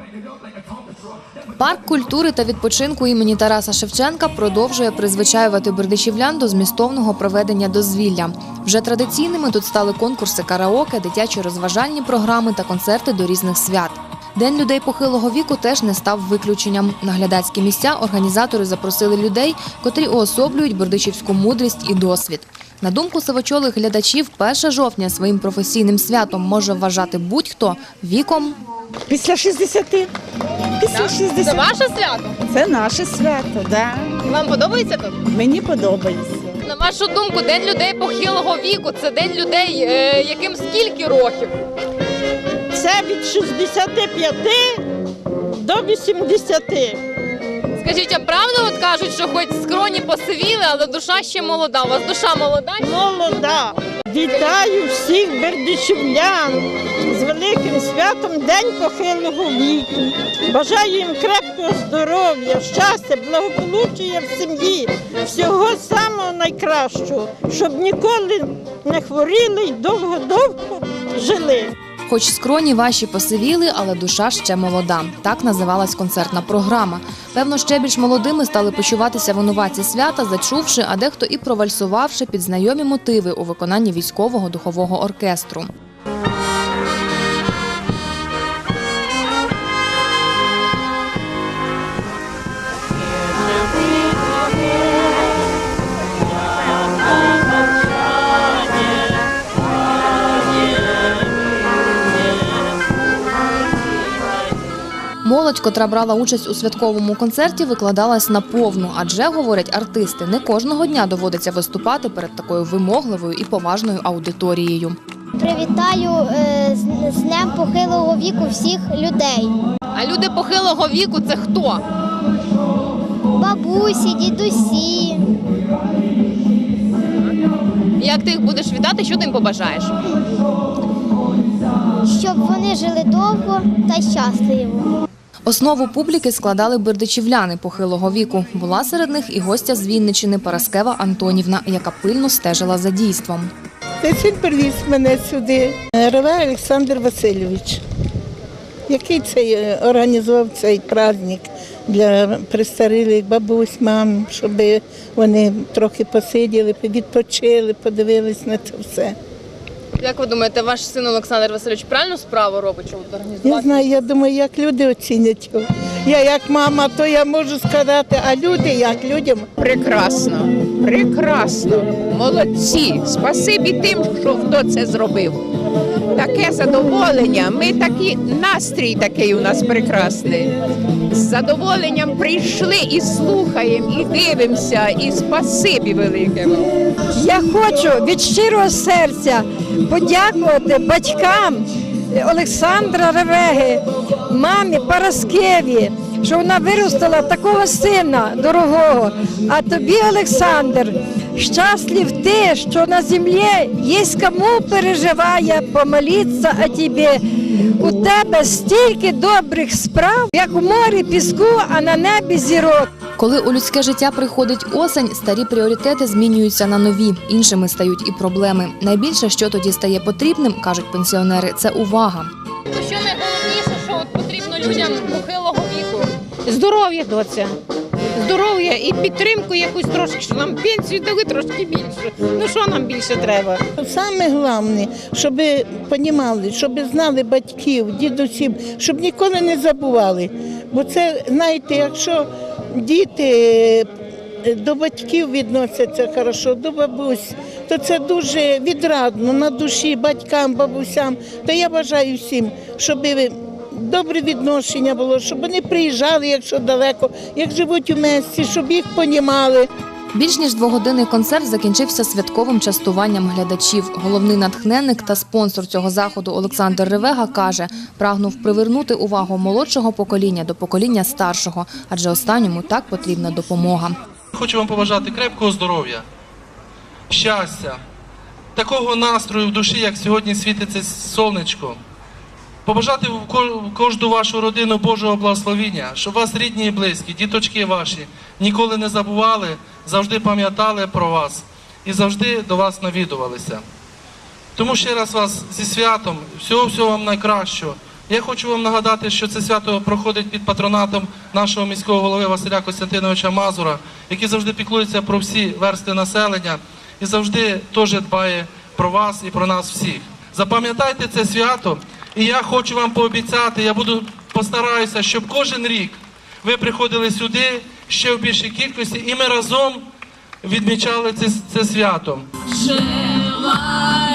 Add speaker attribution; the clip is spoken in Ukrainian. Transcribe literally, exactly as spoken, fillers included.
Speaker 1: Парк культури та відпочинку імені Тараса Шевченка продовжує призвичаювати бердичівлян до змістовного проведення дозвілля. Вже традиційними тут стали конкурси караоке, дитячі розважальні програми та концерти до різних свят. День людей похилого віку теж не став виключенням. На глядацькі місця організатори запросили людей, котрі уособлюють бердичівську мудрість і досвід. На думку сивочолих глядачів, перше жовтня своїм професійним святом може вважати будь-хто віком.
Speaker 2: Після шістдесяти. Після шістдесяти.
Speaker 3: Це ваше свято?
Speaker 2: Це наше свято, так.
Speaker 3: Вам подобається тут?
Speaker 2: Мені подобається.
Speaker 3: На вашу думку, День людей похилого віку – це день людей, е, яким скільки років?
Speaker 4: Це від шістдесяти п'яти до вісімдесяти.
Speaker 3: Скажіть, а правда от кажуть, що хоч скроні посивіли, але душа ще молода? У вас душа молода?
Speaker 4: Молода. Вітаю всіх бердичівлян з великим святом День похилого віку. Бажаю їм крепкого здоров'я, щастя, благополуччя в сім'ї, всього самого найкращого, щоб ніколи не хворіли і довго-довго жили.
Speaker 1: Хоч скроні ваші посивіли, але душа ще молода. Так називалась концертна програма. Певно, ще більш молодими стали почуватися винуватці свята, зачувши, а дехто і провальсувавши під знайомі мотиви у виконанні військового духового оркестру. Молодь, котра брала участь у святковому концерті, викладалась наповну, адже, говорять артисти, не кожного дня доводиться виступати перед такою вимогливою і поважною аудиторією.
Speaker 5: Привітаю е, з, з Днем похилого віку всіх людей.
Speaker 3: А люди похилого віку – це хто?
Speaker 5: Бабусі, дідусі.
Speaker 3: Як ти їх будеш вітати, що ти їм побажаєш?
Speaker 5: Щоб вони жили довго та щасливо.
Speaker 1: Основу публіки складали бердичівляни похилого віку. Була серед них і гостя з Вінниччини Параскева Антонівна, яка пильно стежила за дійством.
Speaker 2: Він привіз мене сюди. Реве Олександр Васильович, який цей організував цей праздник для престарілих бабусь, мам, щоб вони трохи посиділи, відпочили, подивились на це все.
Speaker 3: Як ви думаєте, ваш син Олександр Васильович правильну справу робить, що організувати?
Speaker 2: Я знаю, я думаю, як люди оцінять його. Я як мама, то я можу сказати, а люди як людям?
Speaker 6: Прекрасно, прекрасно, молодці, спасибі тим, що хто це зробив. Таке задоволення, ми такі, настрій такий у нас прекрасний. З задоволенням прийшли і слухаємо, і дивимося, і спасибі велике вам.
Speaker 7: Я хочу від щирого серця подякувати батькам Олександра Ревеги, мамі Параскеві, що вона виростила такого сина дорогого. А тобі, Олександр, щаслив ти, що на землі є кому переживає, помолитися о тобі. У тебе стільки добрих справ, як у морі піску, а на небі зірок.
Speaker 1: Коли у людське життя приходить осень, старі пріоритети змінюються на нові, іншими стають і проблеми. Найбільше, що тоді стає потрібним, кажуть пенсіонери, це увага.
Speaker 3: Що найголовніше, що от потрібно людям похилого віку?
Speaker 4: Здоров'я, доця. Здоров'я і підтримку якусь трошки, що нам пенсію дали трошки більше. Ну що нам більше треба?
Speaker 2: Саме головне, щоб розуміли, щоб знали батьків, дідусів, щоб ніколи не забували. Бо це, знаєте, якщо діти до батьків відносяться хорошо, до бабусь, то це дуже відрадно на душі батькам, бабусям. То я бажаю всім, щоб добре відношення було, щоб вони приїжджали, якщо далеко, як живуть у місті, щоб їх понімали.
Speaker 1: Більш ніж двогодинний концерт закінчився святковим частуванням глядачів. Головний натхненник та спонсор цього заходу Олександр Ревега каже, прагнув привернути увагу молодшого покоління до покоління старшого, адже останньому так потрібна допомога.
Speaker 8: Хочу вам побажати крепкого здоров'я, щастя, такого настрою в душі, як сьогодні світиться сонечко. Побажати в кожну вашу родину Божого благословення, щоб вас рідні і близькі, діточки ваші ніколи не забували, завжди пам'ятали про вас і завжди до вас навідувалися. Тому ще раз вас зі святом, всього-всього вам найкращого, Я хочу вам нагадати, що це свято проходить під патронатом нашого міського голови Василя Костянтиновича Мазура, який завжди піклується про всі верстви населення і завжди теж дбає про вас і про нас всіх. Запам'ятайте це свято, і я хочу вам пообіцяти, я буду постараюся, щоб кожен рік ви приходили сюди ще в більшій кількості, і ми разом відмічали це, це свято.
Speaker 9: Жила